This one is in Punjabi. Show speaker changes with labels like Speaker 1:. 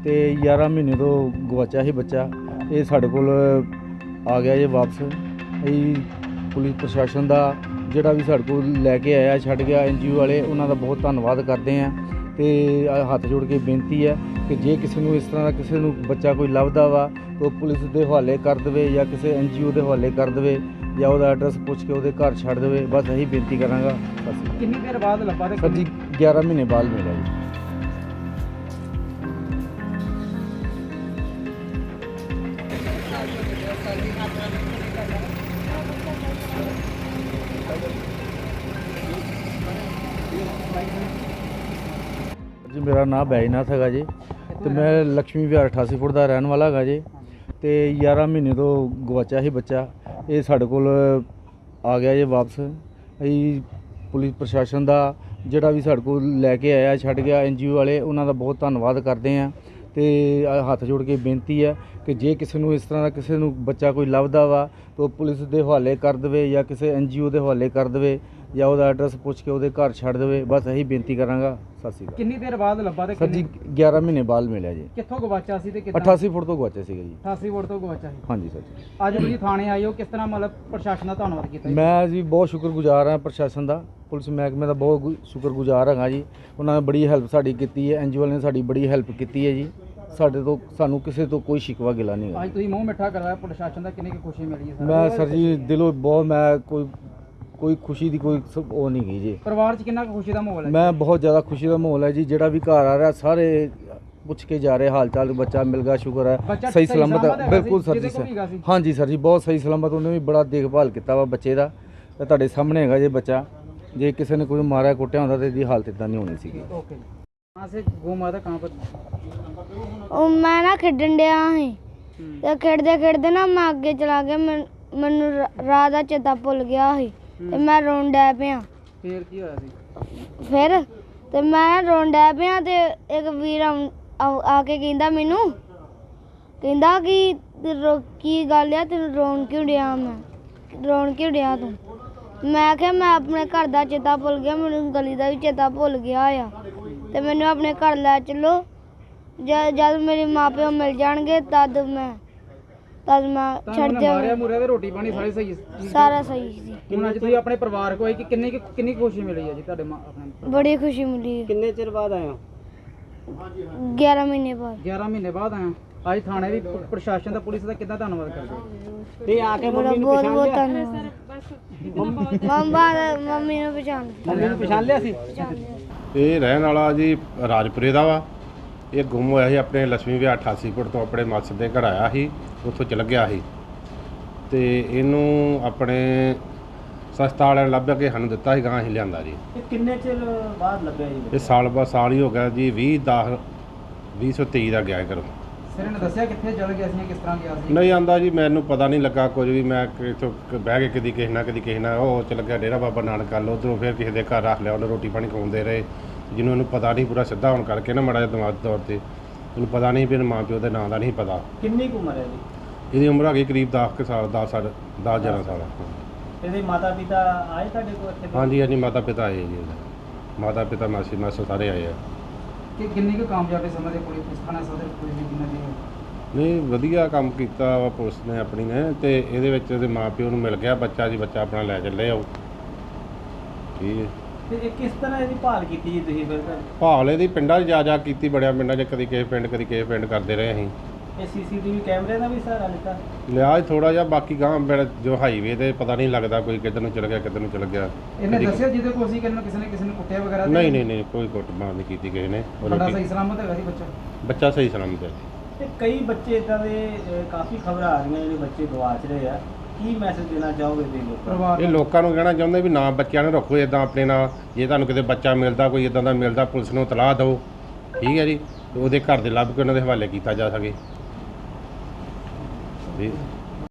Speaker 1: ਤੇ 11 ਮਹੀਨੇ ਤੋਂ ਗਵਾਚਿਆ ਸੀ ਬੱਚਾ। ਇਹ ਸਾਡੇ ਕੋਲ ਆ ਗਿਆ ਜੇ ਵਾਪਸ। ਅਸੀਂ ਪੁਲਿਸ ਪ੍ਰਸ਼ਾਸਨ ਦਾ ਜਿਹੜਾ ਵੀ ਸਾਡੇ ਕੋਲ ਲੈ ਕੇ ਆਇਆ ਛੱਡ ਗਿਆ NGO ਵਾਲੇ, ਉਹਨਾਂ ਦਾ ਬਹੁਤ ਧੰਨਵਾਦ ਕਰਦੇ ਹਾਂ। ਤੇ ਹੱਥ ਜੋੜ ਕੇ ਬੇਨਤੀ ਹੈ ਕਿ ਜੇ ਕਿਸੇ ਨੂੰ ਇਸ ਤਰ੍ਹਾਂ ਦਾ ਕਿਸੇ ਨੂੰ ਬੱਚਾ ਕੋਈ ਲੱਭਦਾ ਵਾ ਤਾਂ ਪੁਲਿਸ ਦੇ ਹਵਾਲੇ ਕਰ ਦੇਵੇ ਜਾਂ ਕਿਸੇ NGO ਦੇ ਹਵਾਲੇ ਕਰ ਦੇਵੇ ਜਾਂ ਉਹਦਾ ਐਡਰੈਸ ਪੁੱਛ ਕੇ ਉਹਦੇ ਘਰ ਛੱਡ ਦੇਵੇ। ਬਸ ਇਹੀ ਬੇਨਤੀ ਕਰਾਂਗਾ। ਬਸ।
Speaker 2: ਕਿੰਨੀ ਦੇਰ ਬਾਅਦ ਲੱਭਾ ਤੇ
Speaker 1: ਸਰ ਜੀ 11 ਮਹੀਨੇ ਬਾਅਦ ਮਿਲਿਆ ਜੀ। ਜੀ ਮੇਰਾ ਨਾਮ ਬੈਜਨਾਥ ਹੈਗਾ ਜੀ ਤੇ ਮੈਂ ਲక్ష్ਮੀ ਵਿਹਾਰ 88 ਫੁੱਟ ਦਾ ਰਹਿਣ ਵਾਲਾ ਹੈਗਾ ਜੀ। ਤੇ 11 ਮਹੀਨੇ ਤੋਂ ਗਵਾਚਿਆ ਸੀ ਬੱਚਾ। ਇਹ ਸਾਡੇ ਕੋਲ ਆ ਗਿਆ ਜੇ ਵਾਪਸ। ਅਸੀਂ ਪੁਲਿਸ ਪ੍ਰਸ਼ਾਸਨ ਦਾ ਜਿਹੜਾ ਵੀ ਸਾਡੇ ਕੋਲ ਲੈ ਕੇ ਆਇਆ ਛੱਡ ਗਿਆ NGO ਵਾਲੇ, ਉਹਨਾਂ ਦਾ ਬਹੁਤ ਧੰਨਵਾਦ ਕਰਦੇ ਹਾਂ। ਤੇ ਹੱਥ ਜੋੜ ਕੇ ਬੇਨਤੀ ਹੈ ਕਿ ਜੇ ਕਿਸੇ ਨੂੰ ਇਸ ਤਰ੍ਹਾਂ ਦਾ ਕਿਸੇ ਨੂੰ ਬੱਚਾ ਕੋਈ ਲੱਭਦਾ ਵਾ ਤਾਂ ਪੁਲਿਸ ਦੇ ਹਵਾਲੇ ਕਰ ਦੇਵੇ ਜਾਂ ਕਿਸੇ NGO ਦੇ ਹਵਾਲੇ ਕਰ ਦੇਵੇ ਜਾਂ ਉਹਦਾ ਐਡਰੈਸ ਪੁੱਛ ਕੇ ਉਹਦੇ ਘਰ ਛੱਡ ਦੇਵੇ। ਬਸ ਇਹੀ ਬੇਨਤੀ ਕਰਾਂਗਾ। ਸਤਿ ਸ਼੍ਰੀ ਅਕਾਲ।
Speaker 2: ਕਿੰਨੀ ਦੇਰ ਬਾਅਦ ਲੱਭਾ ਤੇ
Speaker 1: ਸਰ ਜੀ 11 ਮਹੀਨੇ ਬਾਅਦ ਮਿਲਿਆ ਜੀ।
Speaker 2: ਕਿੱਥੋਂ ਗਵਾਚਿਆ ਸੀ ਤੇ ਕਿੱਦਾਂ?
Speaker 1: 88 ਫੁੱਟ ਤੋਂ ਗਵਾਚਿਆ ਸੀਗਾ ਜੀ।
Speaker 2: 88 ਵੋਟ ਤੋਂ ਗਵਾਚਿਆ ਸੀ।
Speaker 1: ਹਾਂਜੀ ਸਰ ਜੀ।
Speaker 2: ਅੱਜ ਤੁਸੀਂ ਥਾਣੇ ਆਏ ਹੋ, ਕਿਸ ਤਰ੍ਹਾਂ ਮਤਲਬ ਪ੍ਰਸ਼ਾਸਨ ਦਾ ਧੰਨਵਾਦ ਕੀਤਾ ਜੀ?
Speaker 1: ਮੈਂ ਜੀ ਬਹੁਤ ਸ਼ੁਕਰਗੁਜ਼ਾਰ ਹਾਂ ਪ੍ਰਸ਼ਾਸਨ ਦਾ, ਪੁਲਿਸ ਮਹਿਕਮੇ ਦਾ ਬਹੁਤ ਸ਼ੁਕਰਗੁਜ਼ਾਰ ਹੈਗਾ ਜੀ। ਉਹਨਾਂ ਨੇ ਬੜੀ ਹੈਲਪ ਸਾਡੀ ਕੀਤੀ ਹੈ। NGO ਨੇ ਸਾਡੀ ਬੜੀ ਹੈਲਪ ਕੀਤੀ ਹੈ ਜੀ। ਸਾਨੂੰ ਕਿਸੇ ਤੋਂ ਕੋਈ ਸ਼ਿਕਵਾ ਗਿਲਾ ਨਹੀਂ ਹੈ।
Speaker 2: ਅੱਜ ਤੁਸੀਂ ਮੂੰਹ ਮਿੱਠਾ ਕਰਵਾਇਆ ਪ੍ਰਸ਼ਾਸਨ ਦਾ, ਕਿੰਨੀ ਕੁ ਖੁਸ਼ੀ ਮਿਲੀ ਹੈ?
Speaker 1: ਮੈਂ ਸਰ ਜੀ ਦਿਲੋਂ ਬਹੁਤ ਮੈਂ ਕੋਈ ਖੁਸ਼ੀ ਦੀ ਕੋਈ ਉਹ ਨਹੀਂ ਗਈ ਜੀ।
Speaker 2: ਪਰਿਵਾਰ 'ਚ ਕਿੰਨਾ ਕੁ ਖੁਸ਼ੀ ਦਾ ਮਾਹੌਲ ਹੈ?
Speaker 1: ਮੈਂ ਬਹੁਤ ਜ਼ਿਆਦਾ ਖੁਸ਼ੀ ਦਾ ਮਾਹੌਲ ਹੈ ਜੀ। ਜਿਹੜਾ ਵੀ ਘਰ ਆ ਰਿਹਾ ਸਾਰੇ ਪੁੱਛ ਕੇ ਜਾ ਰਹੇ ਹਾਲ ਚਾਲ। ਬੱਚਾ ਮਿਲ ਗਿਆ, ਸ਼ੁਕਰ ਹੈ। ਸਹੀ ਸਲਾਮਤ ਹੈ ਬਿਲਕੁਲ ਸਰ ਜੀ। ਹਾਂਜੀ ਸਰ ਜੀ ਬਹੁਤ ਸਹੀ ਸਲਾਮਤ। ਉਹਨੇ ਵੀ ਬੜਾ ਦੇਖਭਾਲ ਕੀਤਾ ਵਾ ਬੱਚੇ ਦਾ। ਤੇ ਤੁਹਾਡੇ ਸਾਹਮਣੇ ਹੈਗਾ ਜੇ ਬੱਚਾ। ਜੇ ਕਿਸੇ ਨੇ ਕੋਈ ਮਾਰਿਆ ਕੁੱਟਿਆ ਹੁੰਦਾ ਤਾਂ ਇਹਦੀ ਹਾਲਤ ਇਦਾਂ ਨਹੀਂ ਹੋਣੀ ਸੀਗੀ।
Speaker 2: ਓਕੇ। ਕਹਾਂ ਸੇ ਗੁੰਮ ਆਇਆ ਕਹਾਂ ਪਰ?
Speaker 3: ਉਹ ਮੈਂ ਨਾ ਖੇਡਣ ਡਿਆ ਸੀ ਤੇ ਖੇਡਦੇ ਨਾ ਮੈਂ ਅੱਗੇ ਚਲਾ ਗਿਆ। ਮੈਨੂੰ ਰਾਹ ਦਾ ਚੇਤਾ ਭੁੱਲ ਗਿਆ ਸੀ ਤੇ ਮੈਂ ਰੋਣ ਡੈ ਪਿਆ।
Speaker 2: ਫੇਰ ਕੀ ਹੋਇਆ ਸੀ?
Speaker 3: ਫਿਰ ਤੇ ਮੈਂ ਰੋਣ ਡੈ ਪਿਆ ਤੇ ਇੱਕ ਵੀਰ ਆ ਕੇ ਕਹਿੰਦਾ ਮੈਨੂੰ, ਕਹਿੰਦਾ ਕਿ ਕੀ ਗੱਲ ਆ ਤੈਨੂੰ ਰੋਣ ਕਿਉਂ ਡਿਆ? ਮੈਂ ਰੋਣ ਕਿਉਂ ਡਿਆ ਤੂੰ? ਮੈਂ ਕਿਹਾ ਮੈਂ ਆਪਣੇ ਘਰ ਦਾ ਚੇਤਾ ਭੁੱਲ ਗਿਆ, ਮੈਨੂੰ ਗਲੀ ਦਾ ਵੀ ਚੇਤਾ ਭੁੱਲ ਗਿਆ ਆ ਤੇ ਮੈਨੂੰ ਆਪਣੇ ਘਰ ਲੈ ਚੱਲੋ। ਜਦ ਮੇਰੇ ਮਾਪਿਓ ਮਿਲ ਜਾਣਗੇ ਤਦ ਮੈਂ ਛੱਡ
Speaker 2: ਮਾਰਿਆ
Speaker 3: ਜਾਵਾਂ।
Speaker 2: ਮੁਰਿਆ ਤੇ ਰੋਟੀ ਪਾਣੀ ਸਾਰੇ ਸਹੀ ਸੀ?
Speaker 3: ਸਾਰਾ ਸਹੀ ਸੀ।
Speaker 2: ਹੁਣ ਅੱਜ ਤੁਸੀਂ ਆਪਣੇ ਪਰਿਵਾਰ ਕੋਲ ਆਏ ਕਿ ਕਿੰਨੀ ਖੁਸ਼ੀ ਮਿਲੀ ਹੈ ਜੀ ਤੁਹਾਡੇ ਆਪਣੇ?
Speaker 3: ਬੜੀ ਖੁਸ਼ੀ ਮਿਲੀ।
Speaker 2: ਕਿੰਨੇ ਚਿਰ ਬਾਅਦ ਆਏ ਹੋ?
Speaker 3: 11 ਮਹੀਨੇ ਬਾਅਦ।
Speaker 2: 11 ਮਹੀਨੇ ਬਾਅਦ ਆਏ ਹੋ। ਅੱਜ ਥਾਣੇ ਵੀ ਪ੍ਰਸ਼ਾਸਨ ਦਾ ਪੁਲਿਸ ਦਾ ਕਿੱਦਾਂ ਧੰਨਵਾਦ ਕਰਦੇ ਹੋ? ਤੇ ਆ ਕੇ
Speaker 3: ਬੜਾ ਬਹੁਤ ਬਹੁਤ ਧੰਨਵਾਦ। ਮੰਮੀ ਨੂੰ
Speaker 2: ਪਛਾਣ ਲਿਆ ਸੀ?
Speaker 4: ਇਹ ਰਹਿਣ ਵਾਲਾ ਜੀ ਰਾਜਪੁਰੇ ਦਾ ਵਾ। ਇਹ ਗੁੰਮ ਹੋਇਆ ਸੀ ਆਪਣੇ ਲక్ష్ਮੀ ਵਿਹਾਰ 88 ਫੁੱਟ ਤੋਂ ਆਪਣੇ ਮਾਸੜ ਦੇ ਘਰ ਆਇਆ ਸੀ, ਉੱਥੋਂ ਚਲ ਗਿਆ ਸੀ ਤੇ ਇਹਨੂੰ ਆਪਣੇ ਸਸਤਾ ਵਾਲਿਆਂ ਨੇ ਲੱਭ ਕੇ ਸਾਨੂੰ ਦਿੱਤਾ ਸੀ, ਗਾਂ ਅਸੀਂ ਲਿਆਂਦਾ ਜੀ।
Speaker 2: ਕਿੰਨੇ ਚਿਰ ਬਾਅਦ ਲੱਭਿਆ ਜੀ?
Speaker 4: ਇਹ ਸਾਲ ਹੀ ਹੋ ਗਿਆ ਜੀ। 2023 ਦਾ ਗਿਆ ਘਰੋਂ।
Speaker 2: ਸਿਰ ਨੇ ਦੱਸਿਆ ਕਿੱਥੇ ਚਲ ਗਿਆ ਸੀ, ਕਿਸ ਤਰ੍ਹਾਂ ਗਿਆ ਸੀ?
Speaker 4: ਨਹੀਂ ਆਂਦਾ ਜੀ, ਮੈਨੂੰ ਪਤਾ ਨਹੀਂ ਲੱਗਾ ਕੁਝ ਵੀ। ਮੈਂ ਇੱਥੋਂ ਬਹਿ ਕੇ ਕਦੀ ਕਿਸੇ ਨਾਲ ਉਹ ਚਲ ਗਿਆ ਡੇਰਾ ਬਾਬਾ ਨਾਨਕ ਵੱਲ, ਉੱਧਰੋਂ ਫਿਰ ਕਿਸੇ ਦੇ ਘਰ ਰੱਖ ਲਿਆ। ਉਹਨੇ ਰੋਟੀ ਪਾਣੀ ਖਵਾਉਂਦੇ ਰਹੇ। ਜਿਹਨੂੰ ਇਹਨੂੰ ਪਤਾ ਨਹੀਂ ਪੂਰਾ ਸਿੱਧਾ ਹੋਣ ਕਰਕੇ ਨਾ ਮਾੜਾ ਜਿਹਾ ਦਿਮਾਗ ਤੌਰ 'ਤੇ ਇਹਨੂੰ ਪਤਾ ਨਹੀਂ ਵੀ ਮਾਂ ਪਿਓ ਦੇ ਨਾਂ ਦਾ ਨਹੀਂ ਪਤਾ।
Speaker 2: ਕਿੰਨੀ ਕੁ ਉਮਰ ਹੈ ਜੀ?
Speaker 4: ਇਹਦੀ ਉਮਰ ਹੈਗੀ ਕਰੀਬ 10 ਸਾਲ 10-11 ਸਾਲ।
Speaker 2: ਇਹਦੇ ਮਾਤਾ ਪਿਤਾ ਆਏ ਤੁਹਾਡੇ ਕੋਲ ਇੱਥੇ?
Speaker 4: ਹਾਂਜੀ ਮਾਤਾ ਪਿਤਾ ਆਏ ਜੀ। ਮਾਤਾ ਪਿਤਾ ਮਾਸੀ ਸਾਰੇ ਆਏ ਆ।
Speaker 2: ਕਿ ਕਿੰਨੀ ਕੁ ਕਾਮਯਾਬੀ ਸਮਝਦੇ ਪੁਲਿਸ ਥਾਣਾ ਸਦਰ ਪੁਲਿਸ ਦੀ ਕਿੰਨਾ ਦੀ?
Speaker 4: ਨਹੀਂ ਵਧੀਆ ਕੰਮ ਕੀਤਾ ਵਾ ਪੁਲਿਸ ਨੇ ਆਪਣੀ ਨੇ। ਤੇ ਇਹਦੇ ਵਿੱਚ ਇਹਦੇ ਮਾਂ ਪਿਓ ਨੂੰ ਮਿਲ ਗਿਆ ਬੱਚਾ ਜੀ। ਬੱਚਾ ਆਪਣਾ ਲੈ ਚੱਲੇ ਆਓ। ਠੀਕ ਹੈ।
Speaker 2: ਤੇ ਇਹ ਕਿਸ ਤਰ੍ਹਾਂ ਇਹਦੀ ਭਾਲ ਕੀਤੀ ਜੀ ਤੁਸੀਂ ਫਿਰ?
Speaker 4: ਭਾਲ ਇਹਦੀ ਪਿੰਡਾਂ 'ਚ ਜਾ ਕੀਤੀ ਬੜਿਆ ਪਿੰਡਾਂ 'ਚ, ਕਦੀ ਕਿਸੇ ਪਿੰਡ ਕਰਦੇ ਰਹੇ ਅਸੀਂ।
Speaker 2: ਇਹ CCTV ਕੈਮਰੇ ਦਾ ਵੀ ਸਹਾਰਾ ਲਿੱਤਾ?
Speaker 4: ਲਿਆ ਥੋੜਾ ਜਿਹਾ। ਬਾਕੀ ਗਾਂ ਜੋ ਹਾਈਵੇ ਤੇ ਪਤਾ ਨਹੀਂ ਲੱਗਦਾ ਕੋਈ ਕਿੱਧਰ ਨੂੰ ਚਲ ਗਿਆ ਕਿੱਧਰ ਨੂੰ ਚਲ ਗਿਆ।
Speaker 2: ਇਹਨੇ ਦੱਸਿਆ ਜਿਹਦੇ ਕੋਲ ਸੀ ਕਿਸੇ ਨੇ ਕੁੱਟਿਆ ਵਗੈਰਾ?
Speaker 4: ਨਹੀਂ ਕੋਈ ਕੁੱਟਮਾਰ ਨਹੀਂ ਕੀਤੀ ਕਿਸੇ ਨੇ।
Speaker 2: ਤੁਹਾਡਾ ਸਹੀ ਸਲਾਮਤ ਹੈਗਾ ਜੀ
Speaker 4: ਬੱਚਾ ਸਹੀ ਸਲਾਮਤ ਹੈ।
Speaker 5: ਤੇ ਕਈ ਬੱਚੇ ਇਦਾਂ ਦੇ ਕਾਫੀ ਖਬਰਾਂ ਆ ਰਹੀਆਂ ਜਿਹੜੇ ਬੱਚੇ ਗਵਾਚ ਰਹੇ ਆ, ਕੀ ਮੈਸੇਜ ਦੇਣਾ ਚਾਹੋਗੇ ਤੁਸੀਂ ਲੋਕਾਂ ਨੂੰ?
Speaker 4: ਇਹ ਲੋਕਾਂ ਨੂੰ ਕਹਿਣਾ ਚਾਹੁੰਦੇ ਵੀ ਨਾ ਬੱਚਿਆਂ ਨੂੰ ਰੱਖੋ ਇਦਾਂ ਆਪਣੇ ਨਾਲ। ਜੇ ਤੁਹਾਨੂੰ ਕਿਤੇ ਬੱਚਾ ਮਿਲਦਾ ਕੋਈ ਇਦਾਂ ਦਾ ਮਿਲਦਾ, ਪੁਲਿਸ ਨੂੰ ਇਤਲਾਹ ਦਿਓ। ਠੀਕ ਹੈ ਜੀ। ਉਹਦੇ ਘਰ ਦੇ ਲੱਭ ਕੇ ਉਹਨਾਂ ਦੇ ਹਵਾਲੇ ਕੀਤਾ ਜਾ ਸਕੇ ਜੀ।